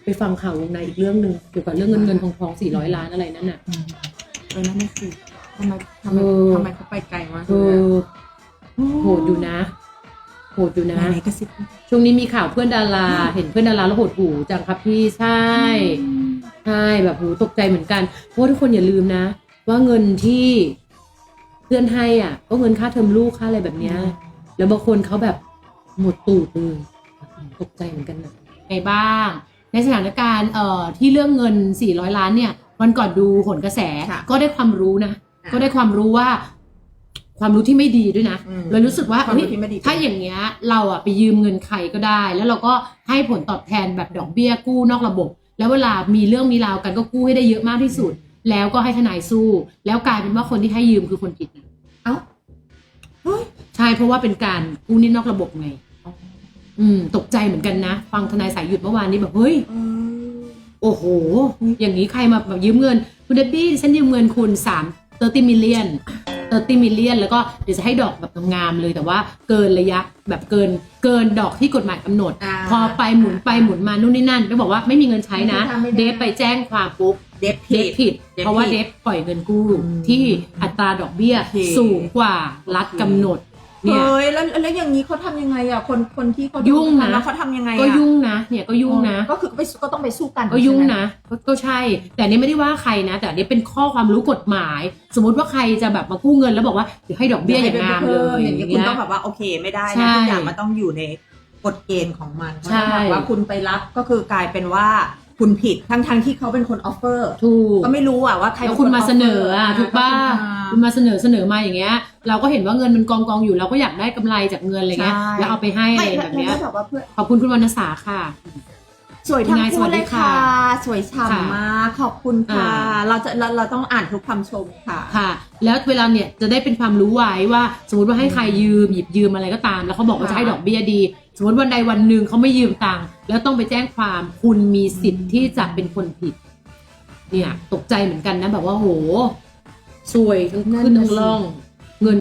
ไปฟังข่าววงในอีกเรื่องหนึ่งเกี่ยวกับเรื่องเงินทอง400 ล้านอะไรนั่นน่ะนั่นไม่คือทำไมเขาไปไกลมากโหดอยู่นะไหนกระซิบช่วงนี้มีข่าวเพื่อนดาราเห็นเพื่อนดาราแล้วหดหูจังครับพี่ใช่แบบหูตกใจเหมือนกันเพราะทุกคนอย่าลืมนะว่าเงินที่เพื่อนให้อ่ะก็เงินค่าเทอมลูกค่าอะไรแบบเนี้ยแล้วบางคนเขาแบบหมดตูดเลยตกใจเหมือนกันนะไงบ้างในสถานการณ์ที่เรื่องเงิน400 ล้านเนี่ยวันก่อนดูโหนกระแสก็ได้ความรู้นะก็ได้ความรู้ว่าความรู้ที่ไม่ดีด้วยนะเรารู้สึกว่าถ้าอย่างเงี้ยเราอ่ะไปยืมเงินใครก็ได้แล้วเราก็ให้ผลตอบแทนแบบดอกเบี้ยกู้นอกระบบแล้วเวลามีเรื่องมีราวกันก็กู้ให้ได้เยอะมากที่สุดแล้วก็ให้ทนายสู้แล้วกลายเป็นว่าคนที่ให้ยืมคือคนผิดนะใช่เพราะว่าเป็นการกู้หนี้นอกระบบไงตกใจเหมือนกันนะฟังทนายสายหยุดเมื่อวานนี้แบบเฮ้ยโอ้โหอย่างนี้ใครมาแบบยืมเงินคุณเดบบี้ฉันยืมเงินคุณ30 million แล้วก็เดี๋ยวจะให้ดอกแบบงามเลยแต่ว่าเกินระยะแบบเกินดอกที่กฎหมายกำหนดพอไปหมุนมานู่นนี่นั่นไปบอกว่าไม่มีเงินใช้นะเดฟไปแจ้งความปุ๊บเดฟผิดเพราะว่าเดฟปล่อยเงินกู้ที่อัตราดอกเบี้ยสูงกว่ารัฐกำหนดเนี่ยแล้วอย่างนี้เขาทำยังไงอ่ะคนที่เขายุ่งนะแล้วเขาทำยังไงก็ยุ่งนะเนี่ยก็ยุ่งนะก็คือก็ต้องไปสู้กันก็ยุ่งนะก็ใช่แต่นี่ไม่ได้ว่าใครนะแต่นี่เป็นข้อความรู้กฎหมายสมมติว่าใครจะแบบมากู้เงินแล้วบอกว่าเดี๋ยวให้ดอกเบี้ยอย่างงามเลยอย่างนี้คุณต้องแบบว่าโอเคไม่ได้นะทุกอย่างมันต้องอยู่ในกฎเกณฑ์ของมันเพราะแบบว่าคุณไปรับก็คือกลายเป็นว่าคุณผิดทั้งที่เขาเป็นคนออฟเฟอร์ถูกก็ไม่รู้ว่าใครแล้วคุณมาเสนอถูกป่ะคุณมาเสนอมาอย่างเงี้ยเราก็เห็นว่าเงินมันกองอยู่เราก็อยากได้กำไรจากเงินอะไรเงี้ยแล้วเอาไปให้อะไรแบบเนี้ยขอบคุณคุณวรรณสาค่ะสวยทั้งคู่เลยค่ะสวยฉ่ำมากขอบคุณค่ะเราต้องอ่านทุกคำชมค่ะแล้วเวลาเนี่ยจะได้เป็นความรู้ไว้ว่าสมมติว่าให้ใครหยิบยืมอะไรก็ตามแล้วเขาบอกว่าจะให้ดอกเบี้ยดีสมมติวันใดวันหนึ่งเขาไม่ยืมตังค์แล้วต้องไปแจ้งความคุณมีสิทธิ์ที่จะเป็นคนผิดเนี่ยตกใจเหมือนกันนะแบบว่าโหซวยทั้งขึ้นทั้งล่อง